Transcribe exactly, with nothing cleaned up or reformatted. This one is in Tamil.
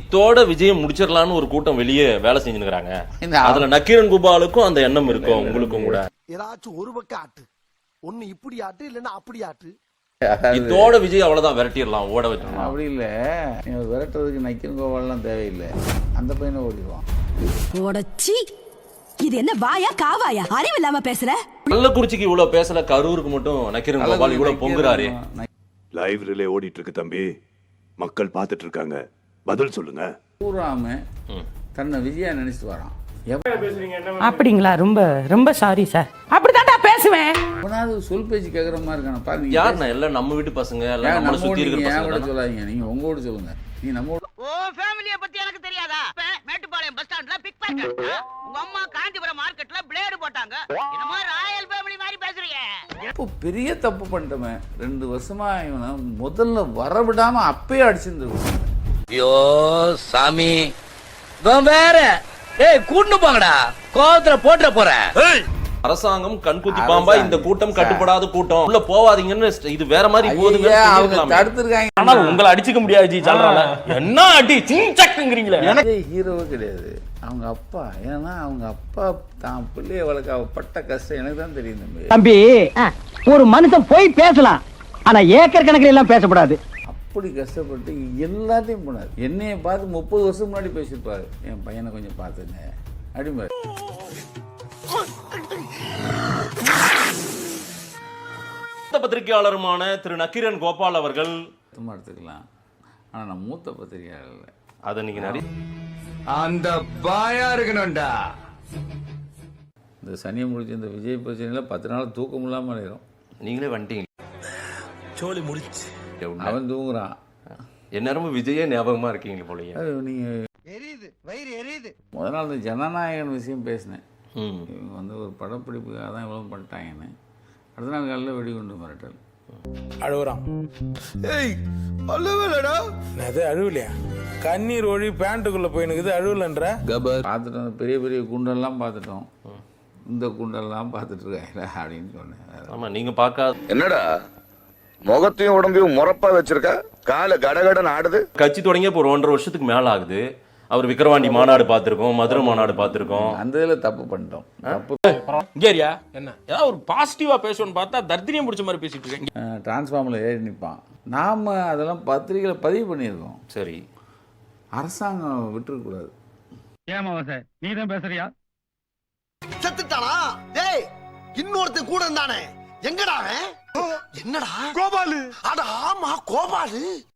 இத்தோட விஜயம் முடிச்சிடலாம்னு ஒரு கூட்டம் வெளியே வேலை செஞ்சுருக்காங்க. அதுல நக்கீரன் கோபாலுக்கும் அந்த எண்ணம் இருக்கும், உங்களுக்கும் கூட. ஏதாச்சும் ஒரு பக்கம் ஆட்டு, ஒண்ணு இப்படி ஆட்டு இல்லன்னா அப்படி ஆட்டு. இதோட விஜய் அவ்வளவுதான் விரட்டிடலாம், ஓட வச்சிடலாம். அப்படி இல்லை, விரட்டுறதுக்கு நக்கீரன் கோபால்லாம் தேவையில்லை, அந்த பையனை ஓடிடுவான். ஓடச்சி, இது என்ன வாயா காவாயா? அறிவு இல்லாம பேசுற. கள்ளக்குறிச்சிக்கு இவ்வளவு பேசல, கரூருக்கு மட்டும் நக்கீரன் கோபால் இவ்வளவு பொங்குறாரு. லைவ் ரிலே ஓடிட்டு இருக்கு தம்பி, மக்கள் பார்த்துட்டு இருக்காங்க, பதில் சொல்லுங்க. பூராம தன்னை விஜயா நினைச்சிட்டு வரான். அப்படிங்களா? ரொம்ப ரொம்ப சாரி சார், அப்படித்தான்டா பேசுவேன். அவனாவது சொல் பேச்சு கேட்குற மாதிரி இருக்கான பாருங்க. யாருண்ணா? எல்லாம் நம்ம வீட்டு பசங்க, எல்லாம் நம்மள சுத்தி இருக்கிற பசங்க. சொல்லாதீங்க, நீங்க உங்க வீடு சொல்லுங்க. நீ நம்ம ஓ ஃபேமிலியை பத்தி எனக்கு தெரியாதா? மேட்டுப்பாளையம் பஸ் ஸ்டாண்ட்ல பிக் பாக்கெட், உங்க அம்மா காஞ்சிபுரம் மார்க்கெட்ல பிளேடு போட்டாங்க. என்னமா ராயல் ஃபேமிலி மாதிரி பேசுறீங்க? இப்போ பெரிய தப்பு பண்ணிட்டவன் ரெண்டு வருஷமா இவனை முதல்ல வரவிடாம அப்பயே அடிச்சிருந்துருக்கான். ஐயோ சாமி, வேற ஏய் கூண்டு போங்கடா, கோவத்துல போட்டுற போறேன். அரசாங்கம் கண்குத்தி பாம்பா, இந்த கூட்டம் கட்டுப்படாத கூட்டம், உள்ள போவாதீங்கன்னு இது வேற மாதிரி போகுதுங்க. தடுத்துருக்காங்க. ஆனா உங்களை அடிச்சுக்க முடியாது ஜி, சொல்றாங்க. என்ன அடி சிங்சக்ங்கறீங்களே. எனக்கு ஹீரோவே கிடையாது, அவங்க அப்பா. ஏன்னா அவங்க அப்பா தான் பிள்ளைய வளர்க்க பட்ட கஷ்டம் எனக்கு தான் தெரியும் தம்பி. தம்பி, ஒரு மனுஷன் போய் பேசலாம், ஆனா ஏக்கர் கணக்கில் எல்லாம் பேசக்கூடாது. அப்படி கஷ்டப்பட்டு எல்லாத்தையும் போனார். என்னைய பார்த்து முப்பது வருஷம் முன்னாடி பேசியிருப்பாரு, என் பையனை கொஞ்சம் பார்த்துங்க அப்படிம்பாரு. மூத்த பத்திரிகையாளருமான திரு நக்கீரன் கோபால் அவர்கள் சும்மா எடுத்துக்கலாம், ஆனா நான் மூத்த பத்திரிகையாளர் இல்லை. அதை நீங்க நிறைய அந்த பாயா இருக்கணும்டா. இந்த சனியை முடிச்சு இந்த விஜய் பிரச்சனையில பத்து நாள் தூக்கம் இல்லாம அடையிறோம். நீங்களே வந்துட்டீங்க. சோலி முடிச்சு அவன் தூங்குறான், எந்நேரமும் விஜயே ஞாபகமா இருக்கீங்க போலயே. நீங்க எரியுது, வயிறு எரியுது. முதல் நாள் இந்த ஜனநாயகன் விஷயம் பேசினேன். ம். இவங்க வந்து ஒரு படப்பிடிப்புக்காக தான் இவ்வளவு பண்ணிட்டாங்கன்னு. அடுத்த நாள் காலையில் வெடிகுண்டு மிரட்டல். அழுகுறான். ஏய் அழுவலடா. அது அழுவலையா? கண்ணீர் ஒழி பேண்ட்டுக்குள்ள போயினுக்குது, அழுவலன்ற. பார்த்துட்டோம், பெரிய பெரிய குண்டெல்லாம் பார்த்துட்டோம், இந்த குண்டெல்லாம் பார்த்துட்டு இருக்காங்க அப்படின்னு சொன்னேன். ஆமா, நீங்க பார்க்காத என்னடா முகத்தையும் உடம்பையும் முறப்பா வச்சிருக்க, கால கடகடன் ஆடுது. கட்சி தொடங்கிய இப்போ ஒரு ஒன்றரை வருஷத்துக்கு மேல ஆகுது. அவர் விக்கிரவாண்டி மாநாடு பார்த்திருக்கோம், மதுரை மாநாடு பார்த்திருக்கோம். அந்த இதில் தப்பு பண்ணிட்டோம். தப்பு கேரியா என்ன ஏதாவது ஒரு பாசிட்டிவா பேசணும்னு பார்த்தா தர்தினியம் பிடிச்ச மாதிரி பேசிட்டு இருக்கேன். டிரான்ஸ்ஃபார்மில் ஏறி நிற்பான். நாம் அதெல்லாம் பத்திரிகையில் பதிவு பண்ணியிருக்கோம். சரி, அரசாங்கம் விட்டுருக்கூடாது. ஏமா சார், நீ தான் பேசுறியா? செத்துட்டானா? டேய், இன்னொருத்தன் கூட இருந்தானே, எங்கடா அவன்? என்னடா கோபாலு? அட ஆமா கோபாலு.